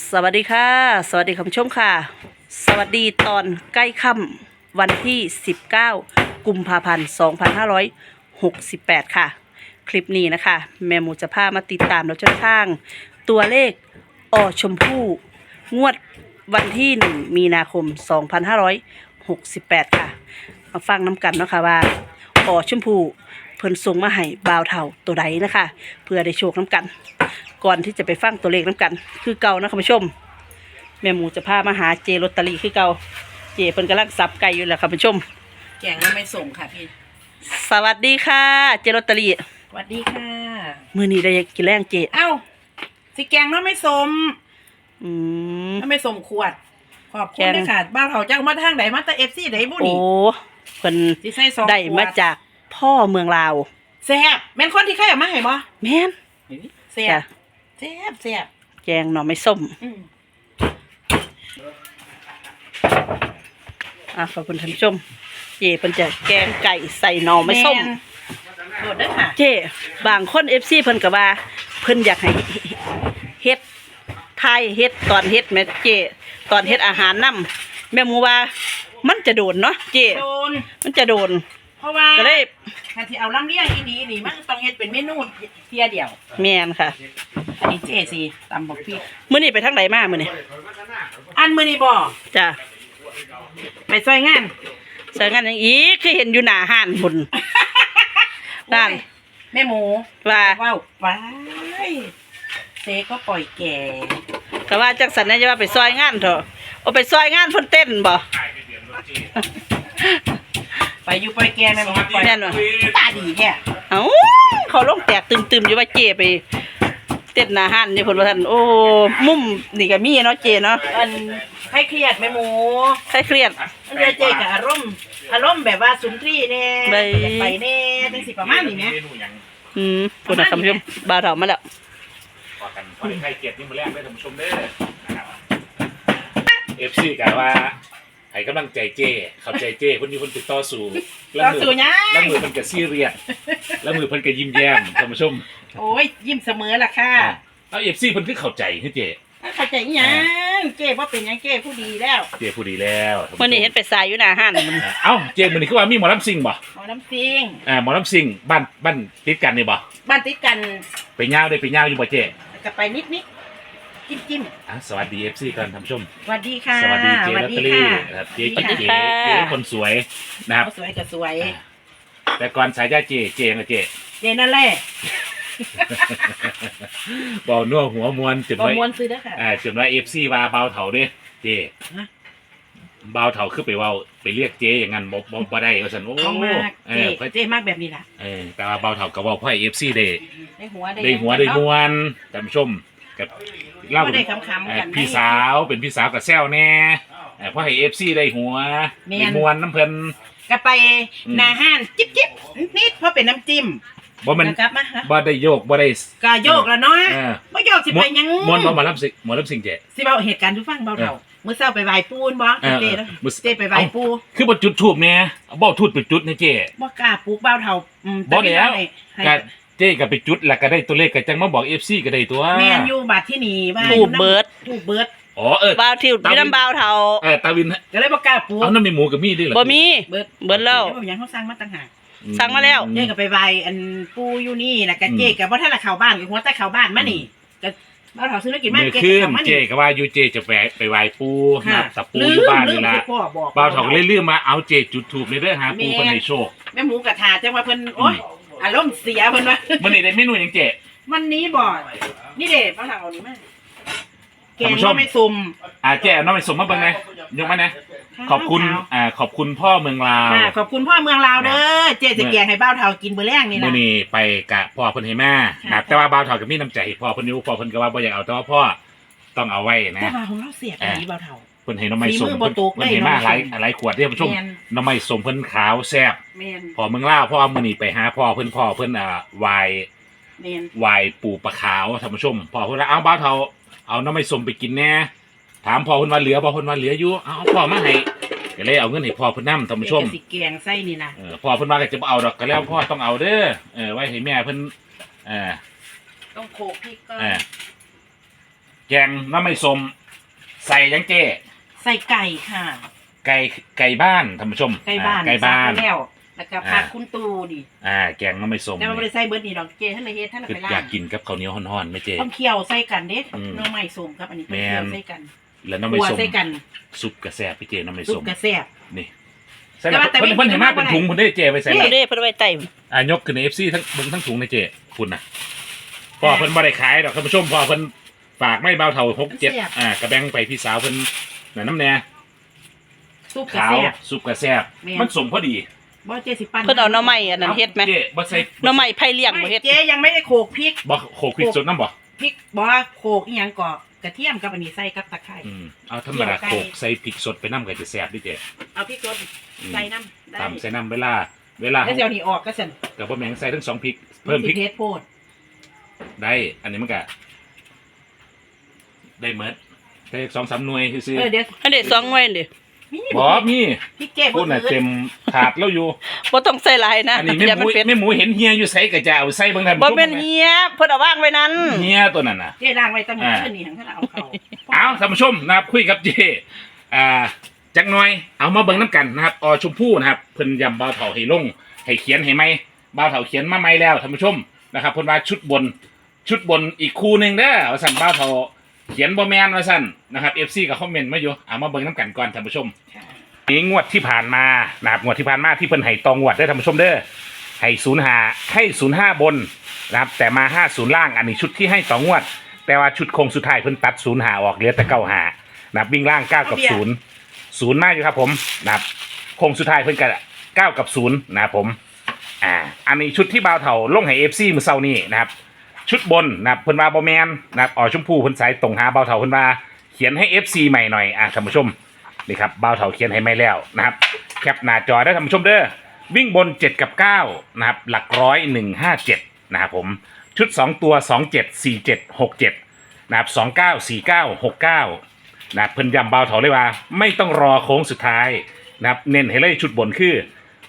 สวัสดีค่ะสวัสดีคุณผู้ชมค่ะสวัสดีตอนใกล้ค่ำวันที่19กุมภาพันธ์2568ค่ะคลิปนี้นะคะแม่หมูจะพามาติดตามแล้วจนทางตัวเลขชมพู่งวดวันที่1มีนาคม2568ค่ะมาฟังน้ำกันเนาะค่ะว่าชมพู่เพิ่นส่งมาให้บ่าวเฒ่าตัวใดนะคะเพื่อได้โชคน้ำกันก่อนที่จะไปฟังตัวเลขน้ำกันคือเก่านะคุณผู้ชมแม่หมูจะพามาหาเจลอตเตอรี่คือเก่าเจเพิ่นกำลังสับไก่อยู่แหละคุณผู้ชมแกงแล้วไม่ส่งค่ะพี่สวัสดีค่ะเจลอตเตอรี่สวัสดีค่ะมื้อนี้ได้กินแรงเจเอ้าสิแกงแล้วไม่สมแล้วไม่สมขวดขอบคุณด้วยค่ะบ้านเขาจ้างมาทางไหนมาแต่FCไหนบุนี่โอ้เพิ่นได้มาจากพ่อเมืองลาวแซ่บแม่นคนที่ใครเอามาให้บ่แม่นแซ่บแซ่บแซ่บแกงหน่อไม้ส้มขอบคุณท่านผู้ชมเจเพิ่นจะแกงไก่ใส่หน่อไม้ส้มโดดด้วยค่ะเจบางคน FC เพิ่นก็ว่าเพิ่นอยากให้เฮ็ดไทยเฮ็ดตอนเฮ็ดแม่เจตอนเฮ็ดอาหารนำแม่หมูว่ามันจะโดนเนาะเจโดนมันจะโดนเพราะว่าก็เลยถ้าที่เอาลำเลียงอีดีนี่มันต้องเฮ็ดเป็นเมนูเพียเดียวแม่นค่ะอันนี้เจสิตำบักพริกมื้อนี้ไปทางไหนมามื้อนี้อันมื้อนี้บ่จ้ะไปซอยงานซอยงานอย่างอีกคือเห็นอยู่หน้าห้านพุ่นนั่นแม่หมูว่าไปเซก็ปล่อยแก่แต่ว่าจังสันนะจะว่าไปซอยงานเถอะเอาไปซอยงานเพิ่นเต้นบ่ไปอยู่ปล่อยแก่แม่หมูปล่อยแน่นบ่ตาดีแท้เอ้าเขาลงแตกตึมๆอยู่ว่าเจไปเต้นหน้าห้านนี่เพิ่นว่าซั่นโอ้มุมนี่ก็มีเนาะเจเนาะอันให้เครียดแม่หมูให้เครียดมันจะเจกับอารมณ์แบบว่าสุนทรีแน่ไปแน่จังสิประมาณนี้แหมพุ่นน่ะท่านผู้ชมบ่าวเฒ่ามาแล้วพอกันพอได้ใครเกียรตินี่มาแรกได้ท่านผู้ชมเด้อFC กันว่าให้กำลังใจเจ้เข้าใจเจ้เพิ่นมีคนติดต่อสู่แล้วมือเพิ่นก็ซีเรียสแล้วมือเพิ่นก็ยิ้มแย้มท่านผู้ชมโอ้ยยิ้มเสมอล่ะค่ะเอา FC เพิ่นคือเข้าใจคือเจ้เข้าใจอีหยังเจ้บ่เป็นหยังเจ้ผู้ดีแล้วเจ้ผู้ดีแล้วมื้อนี้เฮ็ดไปสายอยู่หน้าห้านเอ้าเจ้มื้อนี้คือว่ามีหมอลำซิ่งบ่หมอลำซิ่งหมอลำซิ่งบ้านติดกันนี่บ่บ้านติดกันไปยาวได้ไปยาวอยู่บ่เจ้ก็ไปนิดจิ้มสวัสดี FC กันท่านผู้ชมสวัสดีค่ะสวัสดีเจลอตเตอรี่ครับเจคนสวยนะครับสวยก็สวยแต่ก่อนสายญาเจนั่นแหละบ่าวนัวหัวมวนจุดไว้มวนซื้อเด้อค่ะจุดไว้ FC ว่าเบาเฒ่าเด้เจเบาเฒ่าคือไปเว้าไปเรียกเจอย่างนั้นบ่ได้ว่าซั่นโอ้เจมากแบบนี้ล่ะแต่ว่าเบาเฒ่าก็เว้าให้ FC ได้หัวได้มวนท่านผู้ชมกับเล่าพี่สาวเป็นพี่สาวกับแซวแน่เพราะให้ FC ได้หัวได้มวนน้ำเพิ่นก็ไปหน้าห้านจิ๊บนิดเพราะเป็นน้ำจิ้มบ่มันบ่ได้โยกบ่ได้ก็โยกแล้วเนาะบ่โยกสิไปยังมวนบ่มารับสิ่งเจสิเว้าเหตุการณ์ทุกฟังเบาเฒ่ามื้อเช้าไปไหว้ปู่บ่เจไปไหว้ปู่คือบ่จุดธูปแน่บ่ทูบไปจุดนะเจบ่กล้าปลูกเบาเฒ่าบ่แล้วก็เจ๊ก็ไปจุดแล้วก็ได้ตัวเลขก็จังมาบอก FC ก็ได้ตัวแม่นอยู่บัดที่นี่ว่าทูบเบิร์ดบ่าวทิวมีน้ำบ่าวเฒ่าตาวินก็เลยบ่กล้าปลูกเอาน้ำมีหมูกับมีด้วยเหรอบ่มีเบิดแล้วบ่หยังเฮาสั่งมาต่างหากสั่งมาแล้วเจ๊ก็ไปไหว้อันปู่อยู่นี่น่ะก็เจ๊ก็บ่ทันละเข้าบ้านก็หัวแต่เข้าบ้านมานี่ก็บ่าวเฒ่าซื้อกินมาเจ๊เข้ามานี่เจ๊ก็ว่าอยู่เจ๊จะไปไหว้ปู่นับตะปูอยู่บ้านนี่ล่ะบ่าวเฒ่าก็เลยลืมมาเอาเจ๊จุดธูปนี่เด้อหาปู่เพิ่นให้โชคแม่หมูกระทาจังว่าเพิ่นโอ๊ยอารมณ์เสียเพิ่นว่ามื้อนี้ได้เมนูหยังเจ๊วันนี้บ่นี่เด้บ่าวเฒ่าเอานี่มาแกงน้ำไม่ซุ่มเจ๊น้ำไม่ซุ่มมาเบิ่งมั้ยยกมานะขอบคุณพ่อเมืองลาวขอบคุณพ่อเมืองลาวเด้อเจ๊จะแกงให้บ่าวเฒ่ากินมื้อแลงนี่นะมื้อนี้ไปกะพ่อเพิ่นให้มาแต่ว่าบ่าวเฒ่าก็มีน้ำใจพ่อเพิ่นอยู่พ่อเพิ่นก็ว่าบ่อยากเอาแต่ว่าพ่อต้องเอาไว้นะแต่ว่าของเราเสียอันนี้บ่าวเฒ่าเพิ่นให้น้ำไม่ส้มเพิ่นให้มาหลายขวดเด้อผู้ชมน้ำไม่ส้มเพิ่นขาวแซ่บพ่อเมืองลาวพ่อมื้อนี้ไปหาพ่อเพิ่นวายปูปลาขาวท่านผู้ชมพ่อเพิ่นว่าเอาบ่าวเฒ่าเอาน้ำไม่ส้มไปกินแน่ถามพ่อเพิ่นว่าเหลือบ่เพิ่นว่าเหลืออยู่เอาพ่อมาให้ก็เลยเอาเงินให้พ่อเพิ่นนำท่านผู้ชมสิแกงไส้นี่นะพ่อเพิ่นว่าก็จะบ่เอาดอกก็แล้วพ่อต้องเอาเด้อไว้ให้แม่เพิ่นต้องโขกพริกก่อนแกงน้ำไม่สมใส่ยังเจ้ใส่ไก่ค่ะไก่บ้านท่านผู้ชมไก่บ้านไก่บ้านซักไว้แล้วแล้วก็ผักคุณตูดิแกงน้ำไม่สมแต่มันบ่ได้ใส่เบิดนี่ดอกเจท่านเลยเฮ็ดท่านเลยคือไปล้าอยากงกินกับข้าวเหนียวห่อนๆไหมเจ้ต้องเคี่ยวใส่กันเด้อืมหน้องใหม่ส้มครับอันนี้ต้องแม่นเคี่ยวใส่กันแล้วน้ำไม่คั่วสมใส่กันซุปกระแซบพี่เจ้น้ำไม่ซุสปมกระแซ่บนี่ใส่แล้วเพิ่นเห็นมากเป็นถุงเพิ่นได้เจ้ไปใส่นี่แล้วเด้เพิ่นเอาไว้ไต่ยกขึ้นใน FC ทั้งเบิ่งทั้งถุงในเจ้คุณน่ะพอเพิ่นบ่ได้ขายดอกท่านผู้ชมพอเพิ่นฝากไม่เบาเท่า6-7กระแบงไปพี่สาวเพิ่นน่ะน้ำแน่ซุปกระขาวแซ่บซุปกระแซบแม่นมันสมพอดีบ่เจสิปั้นเพิ่นเอาหน่อไม้อันนั้นเฮ็ดไหมเจ้บ่ใส่หน่อไม้ไผ่เลี้ยงบ่เฮ็ดเจยังไม่ได้โขลกพริกบ่โขกพริกสดน้ำบ่พริกบ่โขลกอีหยังก่อกระเทียมกับอันนี้ใส่กับตะไคร้เอาธรรมดาโขกใส่พริกสดไปน้ำก็จะแซ่บดิเจ้เอาพริกสดใส่น้ำได้ตำใส่น้ำเวลาแล้วเดี๋ยวนี้ออกก็สั่นกับบ่แม่งใส่ทั้งสองพริกเพิ่มพริกสิเผ็ดโพดได้ อันนี้มันก็ได้เมดได้2-3หน่วยซื่อเดี๋ยวอันเด็ด2หน่วยเด้มีๆบ่มีพริกเจ็บพูดน่ะเต็มถาดแล้วอยู่บ่ต้องใส่หลายนะอันนี้แม่อย่าหมัมูนเป็นแม่หมูเห็นเฮียอยู่ใส่ก็จะเอาใส่เบิ่งท่านบ่ผู้ชมแม่นเฮียเพิ่นเอาวางไว้นั้นเฮียตัวนั้นน่ะเจ๊ล้างไว้ตั้งแต่คืนนี้ทั้งท่านเอาเข้าเอาท่านผู้ชมนะครับคุยกับเจจักหน่อยเอามาเบิ่งน้ำกันนะครับอชมพู่นะครับเพิ่นยำบ่าวเฒ่าให้ลงให้เขียนให้ไหมบ่าวเฒ่าเขียนมาไหมแล้วท่านผู้ชมนะครับเพิ่นว่าชุดบนอีกคู่หนึงเด้อว่าซั่นบ่าวเฒ่าเขียนบ่แม่นว่าซั่นนะครับ FC ก็คอมเมนต์มาอยู่เอามาเบิ่งน้ำกันก่อนท่านผู้ชมนี่งวดที่ผ่านมานะครับงวดที่ผ่านมาที่เพิ่นให้ตองวดได้อท่านผู้ชมเด้อให้05บนนะครับแต่มา50ล่างอันนี้ชุดที่ให้ตองวด แต่ว่าชุดโคงสุดท้ายเพิ่นตัด05ออกเหลือแต่95นะครับวิ่งล่าง9กับ0มาอยู่ครับผมนะครับโคงสุดท้ายเพิ่นก็9กับ0นะครับผมอันนี้ชุดที่บ่าวเฒ่าลงให้ FC มื้อเช้านี้นะครับชุดบนนะครับเพิ่นว่าบ่แม่นนะครับชมพู่เพิ่นสายตรงหาบ่าวเฒ่าเพิ่นว่าเขียนให้ FC ใหม่หน่อยท่านผู้ชมนี่ครับบ่าวเฒ่าเขียนให้ใหม่แล้วนะครับแคปหน้าจอได้ท่านผู้ชมเด้อวิ่งบน7กับ9นะครับหลักร้อย157นะครับผมชุด2ตัว274767นะครับ294969นะครับเพิ่นย้ำบ่าวเฒ่าเลยว่าไม่ต้องรอโค้งสุดท้ายนะครับเน้นให้เลยชุดบนคือ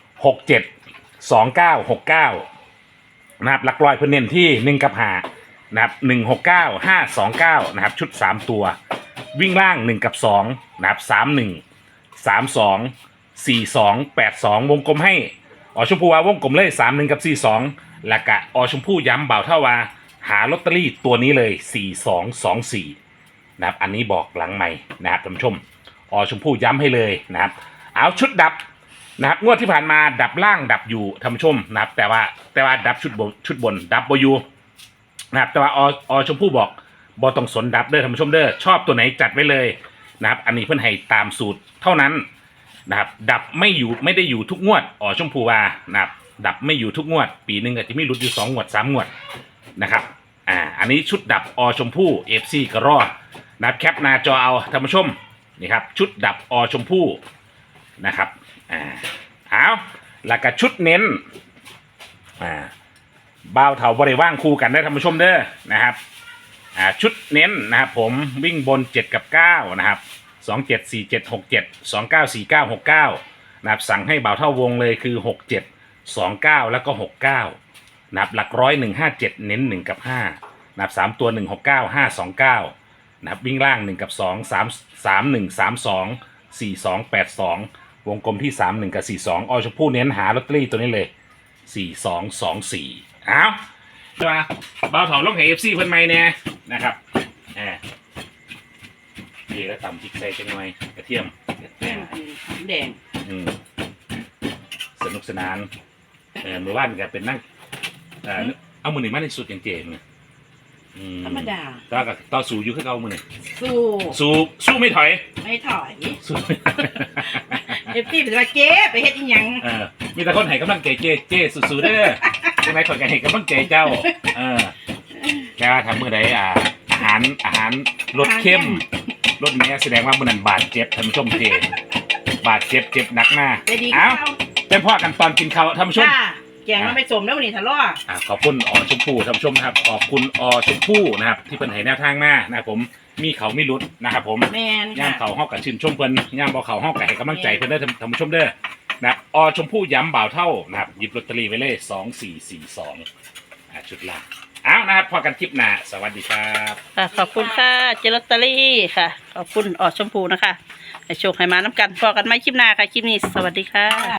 672969นะครับหลักร้อยเพิ่นเน้นที่1กับ5นะครับ169529นะครับชุด3ตัววิ่งล่าง1กับ2นะครับ31 32 42 82วงกลมให้ชมพูว่าวงกลมเลย31กับ42แล้วก็ชมพูย้ำบ่าวเท่าว่าหาลอตเตอรี่ตัวนี้เลย4224นะครับอันนี้บอกหลังใหม่นะครับท่านผู้ชมชมพูย้ำให้เลยนะครับเอาชุดดับนะครับงวดที่ผ่านมาดับล่างดับอยู่ท่านผู้ชมนะครับแต่ว่าดับชุดบนดับอยู่นะครับแต่ว่าชมพูบอกบอต้องสนดับเด้อท่านผู้ชมเด้อชอบตัวไหนจัดไว้เลยนะครับอันนี้เพื่อนให้ตามสูตรเท่านั้นนะครับดับไม่ได้อยู่ทุกงวดชมพูว่านะครับดับไม่อยู่ทุกงวดปีหนึ่งอาจจะมีหลุดอยู่2 งวด 3 งวดนะครับอันนี้ชุดดับชมพู่ FC ก็รอดนะครับแคปหน้าจอเอาท่านผู้ชมนี่ครับชุดดับชมพู่นะครับเอาแล้วก็ชุดเน้นบ่าวเถาบริว่างคู่กันได้ท่านผู้ชมเด้อนะครับชุดเน้นนะครับผมวิ่งบน7กับ9นะครับ274767 294969นะครับสั่งให้บ่าวเท่าวงเลยคือ6729แล้วก็69นะครับหลักร้อย157เน้น1กับ5นะครับ3ตัว169 529นะครับวิ่งล่าง1กับ2 3132 4282วงกลมที่31กับ42ชมพู่เน้นหาลอตเตอรี่ตัวนี้เลย4224เอาใช่ป่ะบ่าวเถาลงให้ FC เพิ่นใหม่แน่นะครับนี่แล้วตำพริกใส่จังหน่อยกระเทียมแดงสนุกสนานเมื่อวานก็เป็นนั่งเอามือหนึ่งมาในสุดอย่างเจ๋งธรรมดาต่อสู้อยู่คือเก่ามือหนึ่งสู้สู้ไม่ถอยไม่ถอยสู้พี่เป็นว่าเจ๊ไปเฮ็ดอีหยังมีแต่คนให้กำลังใจเจ๊สู้ๆเด้อใช่ไหมคนกันให้กำลังใจเจ้าแค่ว่าทำมือใดอาหารรสเข้มรสนี้แสดงว่ามือนั้นบาดเจ็บท่านผู้ชมเจบาดเจ็บหนักหน้าจะดีเอ้าเป็นพ่อกันตอนกินข้าวท่านผู้ชมแกงมันไม่สมแล้ววันนี้ทะเลาะขอบคุณชมพู่ท่านผู้ชมนะครับขอบคุณชมพู่นะครับที่เป็นให้แนวทางมานะครับผมมีเขามีรุดนะครับผมแมนย่ามเขาห้องกับชื่นชมเพิ่นย่ามบ่เขาห้องกับให้กำลังใจเพิ่นได้ท่านผู้ชมเด้อนะครับชมพู่ย้ำบ่าวเท่านะครับหยิบลอตเตอรี่ไว้เลย2442ชุดละเอานะครับพอกันคลิปหน้าสวัสดีครับค่ะขอบคุณค่ะเจลอตเตอรี่ค่ะ ขอบคุณออดชมพูนะคะให้โชคให้มาน้ำกันพอกันไหมคลิปหน้าค่ะ คลิปนี้สวัสดีค่ะ